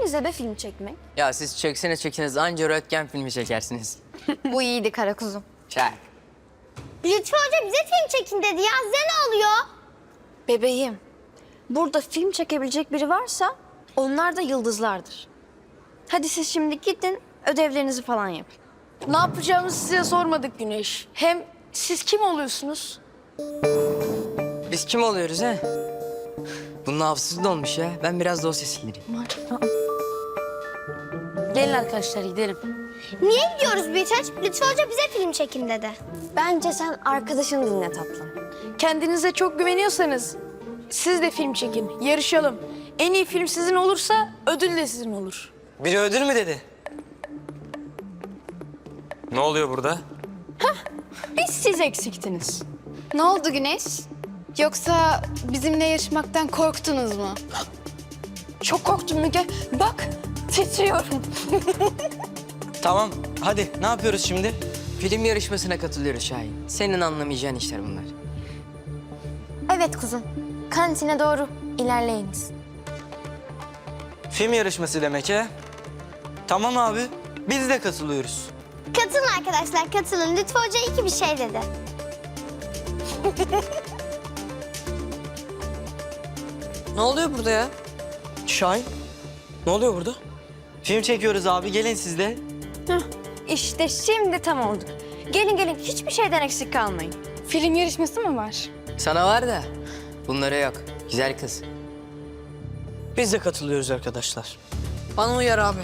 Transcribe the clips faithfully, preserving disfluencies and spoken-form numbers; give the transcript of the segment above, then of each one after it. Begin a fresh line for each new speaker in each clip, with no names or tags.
bize be film çekmek.
Ya siz çekseniz çekseniz anca röntgen filmi çekersiniz.
Bu iyiydi kara kuzum.
Çak.
Lütfü Hoca bize film çekin dedi ya. Size ne oluyor?
Bebeğim, burada film çekebilecek biri varsa onlar da yıldızlardır. Hadi siz şimdi gidin, ödevlerinizi falan yapın.
Ne yapacağımızı size sormadık Güneş. Hem siz kim oluyorsunuz?
Biz kim oluyoruz ha? Bunun hafızası dolmuş ya. Ben biraz dosya sildireyim.
Gelin arkadaşlar gidelim.
Niye gidiyoruz Büyüteç? Lütfü Hoca bize film çekin dedi.
Bence sen arkadaşını dinle tatlım.
Kendinize çok güveniyorsanız siz de film çekin, yarışalım. En iyi film sizin olursa ödül de sizin olur.
Biri ödül mü dedi?
Ne oluyor burada?
Biz siz eksiktiniz.
Ne oldu Güneş? Yoksa bizimle yarışmaktan korktunuz mu?
Çok korktum Müge. Bak titriyorum.
Tamam, hadi ne yapıyoruz şimdi?
Film yarışmasına katılıyoruz Şahin. Senin anlamayacağın işler bunlar.
Evet kuzum, kantine doğru ilerleyiniz.
Film yarışması demek he? Tamam abi, biz de katılıyoruz.
Katılın arkadaşlar, katılın. Lütfü Hoca iyi ki bir şey dedi.
Ne oluyor burada ya?
Şahin, ne oluyor burada? Film çekiyoruz abi, gelin siz de.
İşte şimdi tam oldu. Gelin gelin, hiçbir şeyden eksik kalmayın.
Film yarışması mı var?
Sana var da bunlara yok. Güzel kız.
Biz de katılıyoruz arkadaşlar.
Bana uyar abi.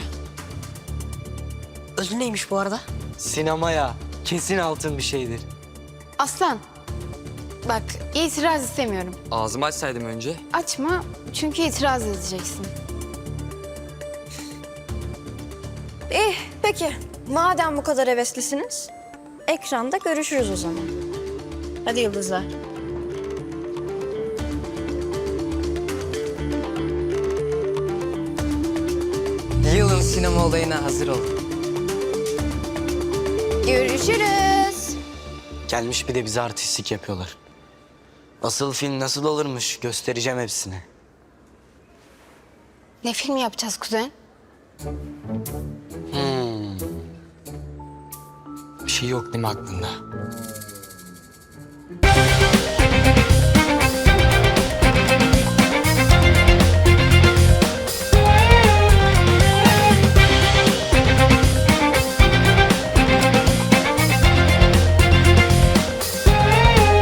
Ödül neymiş bu arada?
Sinemaya kesin altın bir şeydir.
Aslan, bak itiraz istemiyorum.
Ağzımı açsaydım önce.
Açma çünkü itiraz edeceksin.
Eh, peki. Madem bu kadar heveslisiniz, ekranda görüşürüz o zaman. Hadi yıldızlar.
Yılın sinema olayına hazır ol.
Görüşürüz.
Gelmiş bir de bize artistlik yapıyorlar. Asıl film nasıl olurmuş göstereceğim hepsine.
Ne film yapacağız kuzen?
Bir şey yok değil mi aklında?